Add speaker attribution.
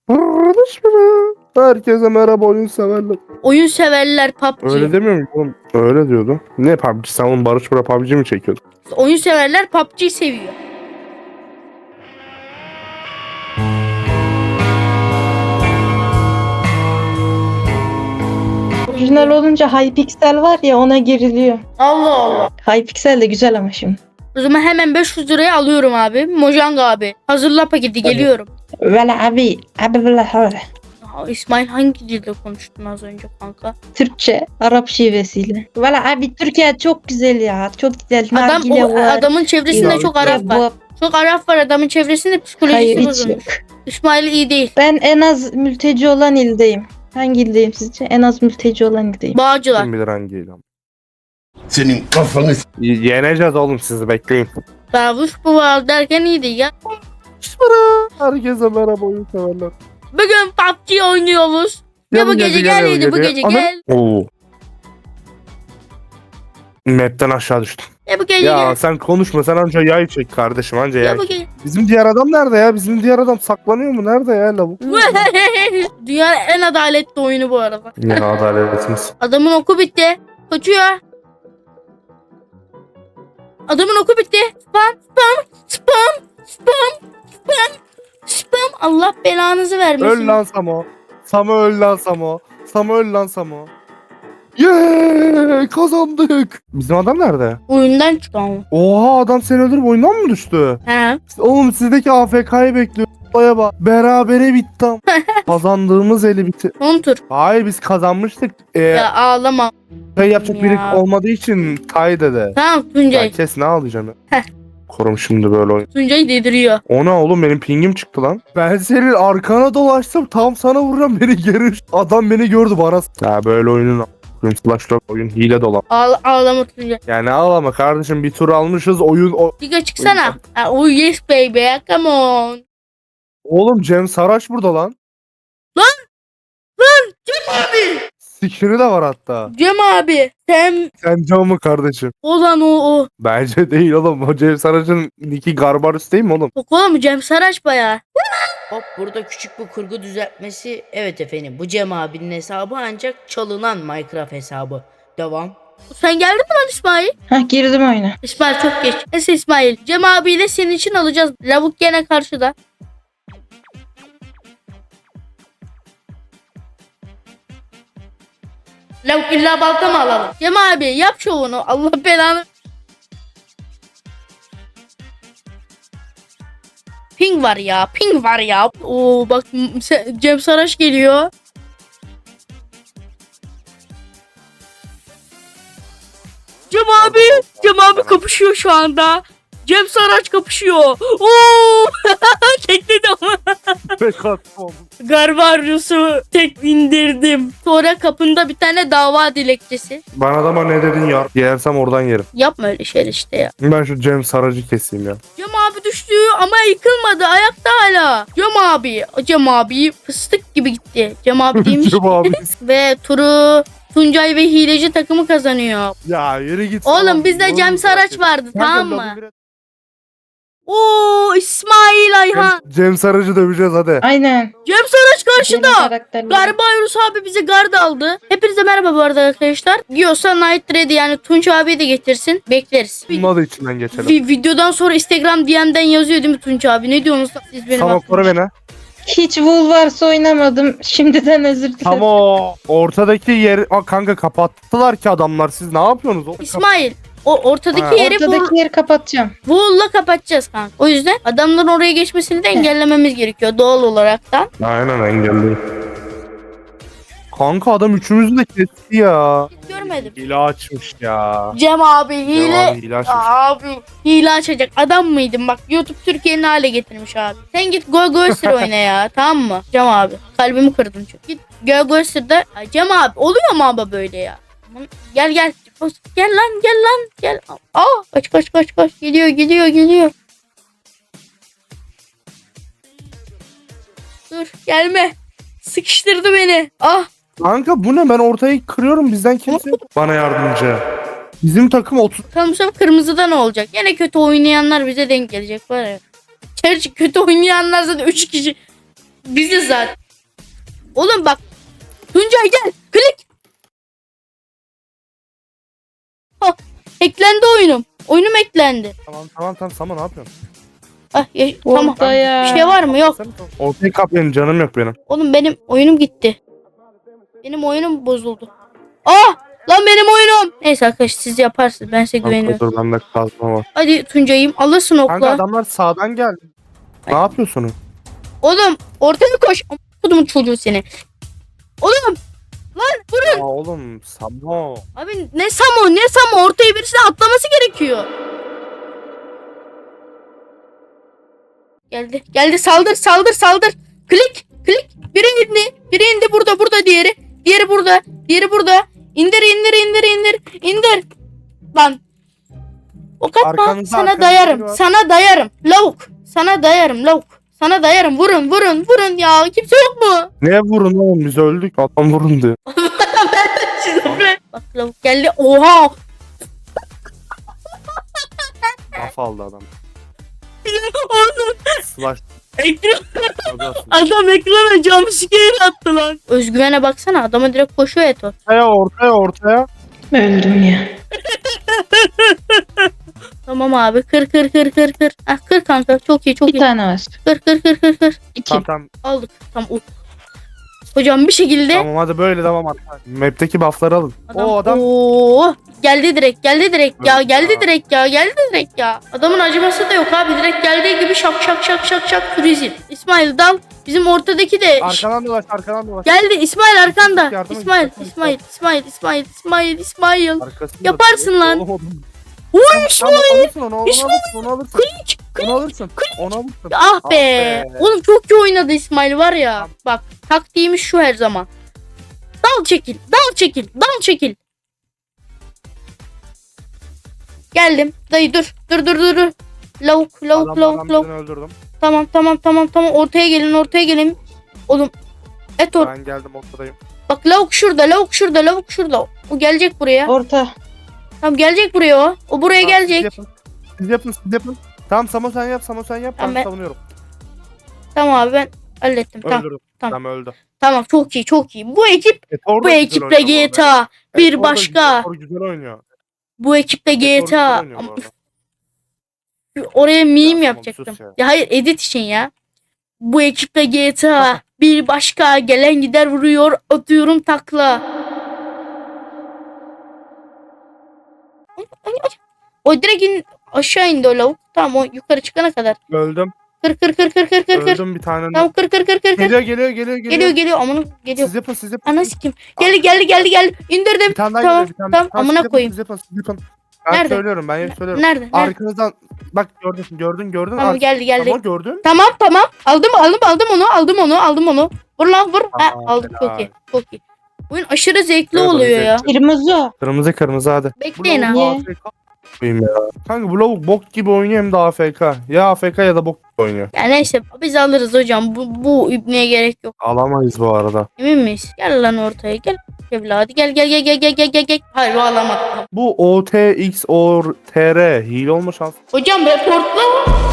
Speaker 1: Barışma. Herkese merhaba oyun severler.
Speaker 2: Oyun severler PUBG.
Speaker 1: Öyle demiyor mu oğlum? Öyle diyordu. Ne PUBG? Sen oğlum Barış Bora PUBG mi çekiyordun?
Speaker 2: Oyun severler PUBG seviyor.
Speaker 3: Orijinal olunca Hypixel var ya ona giriliyor.
Speaker 2: Allah Allah.
Speaker 3: Hypixel de güzel ama şimdi.
Speaker 2: O zaman hemen 500 liraya alıyorum abi. Mojang abi. Hazırla paketi, geliyorum.
Speaker 3: Valla abi valla öyle.
Speaker 2: Aa, İsmail hangi dilde konuştun az önce kanka?
Speaker 3: Türkçe, Arap şivesiyle. Valla abi Türkiye çok güzel ya. Çok güzel. Nargile var.
Speaker 2: Adamın çevresinde çok Arap var. Çok Arap var adamın çevresinde, psikolojisi
Speaker 3: Hayır hiç
Speaker 2: bozulmuş.
Speaker 3: yok.
Speaker 2: İsmail iyi değil.
Speaker 3: Ben en az mülteci olan ildeyim. Hangi ildeyim sizce? En az mülteci olan ildeyim.
Speaker 2: Bağcılar.
Speaker 1: Kim bilir hangi ilan.
Speaker 4: Senin kafanı
Speaker 1: Yeneceğiz oğlum, sizi bekleyin.
Speaker 2: Bavuş bu var derken iyiydi ya.
Speaker 1: Herkese merhaba oyun severler.
Speaker 2: Bugün PUBG oynuyoruz. Ya bu gece gel, bu gece gel.
Speaker 1: Oo. Map'ten aşağı düştüm.
Speaker 2: Ya bu gece
Speaker 1: Ya
Speaker 2: gel.
Speaker 1: sen konuşma, sen anca yay çek kardeşim, anca
Speaker 2: Ya
Speaker 1: yay.
Speaker 2: bu gece.
Speaker 1: Bizim diğer adam nerede ya? Bizim diğer adam saklanıyor mu? Nerede ya lavuk?
Speaker 2: Dünyanın en adaletli oyunu bu arada.
Speaker 1: Ne adaletimiz.
Speaker 2: Adamın oku bitti. Kaçıyor. Adamın oku bitti. Spam, spam, spam, spam, spam, spam. Allah belanızı vermesin.
Speaker 1: Öl lan Samo. Samo öl lan Samo. Samo öl lan Samo. Yeee kazandık. Bizim adam nerede?
Speaker 2: Oyundan çıktı ama.
Speaker 1: Oha, adam seni öldürüp oyundan mı düştü?
Speaker 2: He.
Speaker 1: Oğlum sizdeki AFK'yı bekliyor. Olaya bak. Berabere bitti. Kazandığımız eli bitti.
Speaker 2: Son tur.
Speaker 1: Hayır, biz kazanmıştık.
Speaker 2: Ya ağlama.
Speaker 1: Şey yapacak
Speaker 2: ya.
Speaker 1: biri olmadığı için Tay dede.
Speaker 2: Tamam
Speaker 1: Ya
Speaker 2: Tuncay.
Speaker 1: kes, ne ağlayacaksın?
Speaker 2: Heh.
Speaker 1: Korum şimdi böyle oyun.
Speaker 2: Tuncay dediriyor.
Speaker 1: O ne oğlum, benim pingim çıktı lan. Ben senin arkana dolaştım, tam sana vuracağım, beni geri. Adam beni gördü bana. Ya böyle oyunun oyun hile dolan.
Speaker 2: Ağlama Tuncay.
Speaker 1: Yani ağlama kardeşim, bir tur almışız
Speaker 2: Diga çıksana. Oh yes baby. Come on.
Speaker 1: Oğlum Cem Saraç burada lan.
Speaker 2: Cem abi.
Speaker 1: Sikiri de var hatta.
Speaker 2: Cem abi. Sen
Speaker 1: Sen Cem mi kardeşim?
Speaker 2: olan o.
Speaker 1: Bence değil oğlum. O Cem Saraç'ın Nicky Garbarus değil mi oğlum?
Speaker 2: Yok oğlum Cem Saraç bayağı.
Speaker 5: Hop, burada küçük bir kurgu düzeltmesi. Evet efendim, bu Cem abinin hesabı ancak çalınan Minecraft hesabı. Devam.
Speaker 2: Sen geldin mi lan İsmail?
Speaker 3: Hah girdim oyuna.
Speaker 2: İsmail çok geç. Neyse İsmail. Cem abiyle senin için alacağız. Lavuk gene karşıda. Lavuk illa balta mı alalım? Cem abi yap şovunu. Allah belanı. Ping var ya. Ping var ya. Oo bak Cem Saraç geliyor. Cem abi kapışıyor şu anda. Cem Saraç kapışıyor. Oo! Tekledi ama.
Speaker 1: Pek attım.
Speaker 2: Garbaryus'u tek indirdim. Sonra kapında bir tane dava dilekçesi.
Speaker 1: Ben adama ne dedin ya? Yersem oradan yerim.
Speaker 2: Yapma öyle şeyler işte ya.
Speaker 1: Ben şu Cem Sarac'ı keseyim ya.
Speaker 2: Cem abi düştü ama yıkılmadı. Ayakta hala. Cem abi fıstık gibi gitti. Cem abi değilmiş.
Speaker 1: Cem abi.
Speaker 2: Ve turu Tuncay ve hileci takımı kazanıyor.
Speaker 1: Ya yürü git.
Speaker 2: Oğlum bizde Cem Saraç vardı, tamam mı? Oo İsmail Ayhan.
Speaker 1: Cem Sarac'ı döveceğiz hadi.
Speaker 3: Aynen.
Speaker 2: Cem Saraç
Speaker 3: Benim
Speaker 2: karşıda.
Speaker 3: karakterlerim.
Speaker 2: Garbayrus abi bize gard aldı. Hepinize merhaba bu arada arkadaşlar. Diyorsa Night Ready yani Tunç abi de getirsin. Bekleriz.
Speaker 1: Bununla da içinden geçelim.
Speaker 2: Videodan sonra Instagram DM'den yazıyor değil mi Tunç abi? Ne diyorsunuz siz benim
Speaker 1: Tamam, koru beni.
Speaker 3: Hiç Wool varsa oynamadım. Şimdiden özür dilerim.
Speaker 1: Tamam. Ortadaki yer... Aa, kanka kapattılar ki adamlar. Siz ne yapıyorsunuz oğlum?
Speaker 2: İsmail o ortadaki
Speaker 1: Ha.
Speaker 2: yeri
Speaker 3: Ortadaki yeri kapatacağım.
Speaker 2: Wool'la kapatacağız kanka. O yüzden adamların oraya geçmesini de engellememiz gerekiyor doğal olarak da.
Speaker 1: Aynen, engelli. Kanka adam üçümüzü de kesti ya.
Speaker 2: Hiç görmedim.
Speaker 1: Hile açmış ya.
Speaker 2: Cem abi
Speaker 1: Cem
Speaker 2: hile.
Speaker 1: abi hile açmış.
Speaker 2: Abi hile açacak adam mıydın? Bak YouTube Türkiye'nin hale getirmiş abi. Sen git Go oyna ya, tamam mı? Cem abi kalbimi kırdın çünkü. Git Go Ay, Cem abi oluyor mu ama böyle ya? Gel. Gel lan gel. Aa kaç. Geliyor. Dur gelme. Sıkıştırdı beni. Ah.
Speaker 1: Kanka bu ne? Ben ortayı kırıyorum. Bizden kimse yok. Bana yardımcı. Bizim takım 30.
Speaker 2: Bakalım bu sefer kırmızıda ne olacak? Yine kötü oynayanlar bize denk gelecek var ya. Gerçi kötü oynayanlar zaten 3 kişi. Biziz zaten. Oğlum bak. Tuncay gel. Klik. Ha, eklendi oyunum. Oyunum eklendi.
Speaker 1: Tamam Samo ne yapıyorsun?
Speaker 2: Ah, tamam.
Speaker 3: Ortaya.
Speaker 2: Bir şey var mı? Yok.
Speaker 1: Ortayı kapayın canım yok benim.
Speaker 2: Oğlum benim oyunum gitti. Benim oyunum bozuldu. Ah! Lan benim oyunum. Neyse arkadaşlar siz yaparsınız. Ben size güveniyorum.
Speaker 1: Dur bende kazma var.
Speaker 2: Hadi Tuncay'ım alırsın
Speaker 1: Kanka
Speaker 2: okla.
Speaker 1: adamlar sağdan geldi. Ne yapıyorsunuz?
Speaker 2: Oğlum ortaya koş. Kudumun çocuğu seni. Oğlum. Lan vurun.
Speaker 1: Aa oğlum Samo.
Speaker 2: Abi ne Samo ortaya birisine atlaması gerekiyor. Geldi saldır. Klik. Biri indi burada diğeri. Diğeri burada. İndir. Lan. Ok atma
Speaker 1: Arkanızda,
Speaker 2: sana
Speaker 1: arkanızda
Speaker 2: dayarım.
Speaker 1: biri var.
Speaker 2: Sana dayarım. Lavuk. Sana dayarım. Vurun ya. Kimse yok mu?
Speaker 1: Ne vurun oğlum biz öldük. Adam vurun diyor.
Speaker 2: Bak lavuk geldi. Oha.
Speaker 1: Laf aldı adam.
Speaker 2: Oğlum.
Speaker 1: Slash.
Speaker 2: Adam ekrana jumpscare attı lan. Özgüvene baksana adama direkt koşuyor Eto.
Speaker 1: Ortaya.
Speaker 3: Öldüm ya.
Speaker 2: Tamam abi kır. Ah kır kanka çok iyi.
Speaker 3: Bir tane var.
Speaker 2: Kır.
Speaker 3: İki.
Speaker 1: Tamam.
Speaker 2: Aldık. Tamam. Hocam bir şekilde.
Speaker 1: Tamam hadi böyle devam at. Map'teki buff'ları alın. O adam
Speaker 2: Oo, geldi direkt ya.
Speaker 1: Evet
Speaker 2: Geldi direkt ya. Adamın acıması da yok abi. Direkt geldiği gibi şak turizm. İsmail dal. Bizim ortadaki de.
Speaker 1: arkadan dolaş.
Speaker 2: Geldi İsmail arkanda.
Speaker 1: Yardıma
Speaker 2: İsmail.
Speaker 1: Arkasında
Speaker 2: Yaparsın lan.
Speaker 1: Oğlum.
Speaker 2: Uy
Speaker 1: Tamam, alırsın onu
Speaker 2: İsmail.
Speaker 1: alırsın. Onu alırsın.
Speaker 2: Ah be. Oğlum çok iyi oynadı İsmail var ya. Bak taktiğimiz şu her zaman. Dal çekil. Geldim. Dayı dur. Lavuk.
Speaker 1: Adamlardan birini öldürdüm.
Speaker 2: Tamam. Ortaya gelin. Oğlum. Etor.
Speaker 1: Ben geldim ortadayım.
Speaker 2: Bak lavuk şurada. O gelecek buraya.
Speaker 3: Orta.
Speaker 2: Tamam gelecek buraya o. O buraya
Speaker 1: Tamam,
Speaker 2: gelecek.
Speaker 1: Siz yapın. Tamam Samo sen yap.
Speaker 2: Tamam,
Speaker 1: Ben savunuyorum.
Speaker 2: Tamam abi ben hallettim.
Speaker 1: Öldürdüm.
Speaker 2: Tamam.
Speaker 1: Tamam öldü.
Speaker 2: Tamam çok iyi. Bu
Speaker 1: Etor da
Speaker 2: ekiple
Speaker 1: güzel oynuyor bu
Speaker 2: GTA
Speaker 1: arada.
Speaker 2: bir
Speaker 1: Etor da
Speaker 2: başka.
Speaker 1: Etor güzel oynuyor.
Speaker 2: Bu ekiple
Speaker 1: Etor güzel
Speaker 2: GTA.
Speaker 1: oynuyor bu arada.
Speaker 2: Oraya meme
Speaker 1: tamam,
Speaker 2: yapacaktım.
Speaker 1: sus ya.
Speaker 2: Ya hayır edit için ya. Bu ekiple GTA bir başka gelen gider vuruyor atıyorum takla. O direkt aşağı indi o lavuk. Tamam o yukarı çıkana kadar.
Speaker 1: Öldüm.
Speaker 2: Kır.
Speaker 1: Öldüm bir tane.
Speaker 2: Tamam kır. Geliyor amına geliyor.
Speaker 1: Siz yapın.
Speaker 2: Ana sikim. Geldi. İndirdim.
Speaker 1: Bir tane daha
Speaker 2: Tamam,
Speaker 1: geliyor.
Speaker 2: tamam, amına koyayım.
Speaker 1: Siz yapın. Ben
Speaker 2: Nerede?
Speaker 1: söylüyorum.
Speaker 2: Nerede?
Speaker 1: Arkanızdan bak gördün.
Speaker 2: Tamam geldi.
Speaker 1: Tamam gördün.
Speaker 2: Tamam. Aldım onu. Vur lan vur. Ha,
Speaker 1: Tamam,
Speaker 2: aldım
Speaker 1: helal.
Speaker 2: çok iyi. Oyun aşırı zevkli
Speaker 1: Evet,
Speaker 2: oluyor
Speaker 1: oyun
Speaker 2: ya.
Speaker 3: Kırmızı.
Speaker 1: Kırmızı hadi.
Speaker 2: Bekleyin
Speaker 1: Bu
Speaker 2: ha.
Speaker 1: lavuk AFK ya. Kanka bu lavuk bok gibi oynuyor hem de AFK. Ya AFK ya da bok gibi oynuyor.
Speaker 2: Ya neyse biz alırız hocam. Bu ibneye gerek yok.
Speaker 1: Alamayız bu arada.
Speaker 2: Emin miyiz? Gel lan ortaya gel. Evladı gel. Hayır o alamadım.
Speaker 1: Bu OTX or TR hile olma şansı.
Speaker 2: Hocam reportla.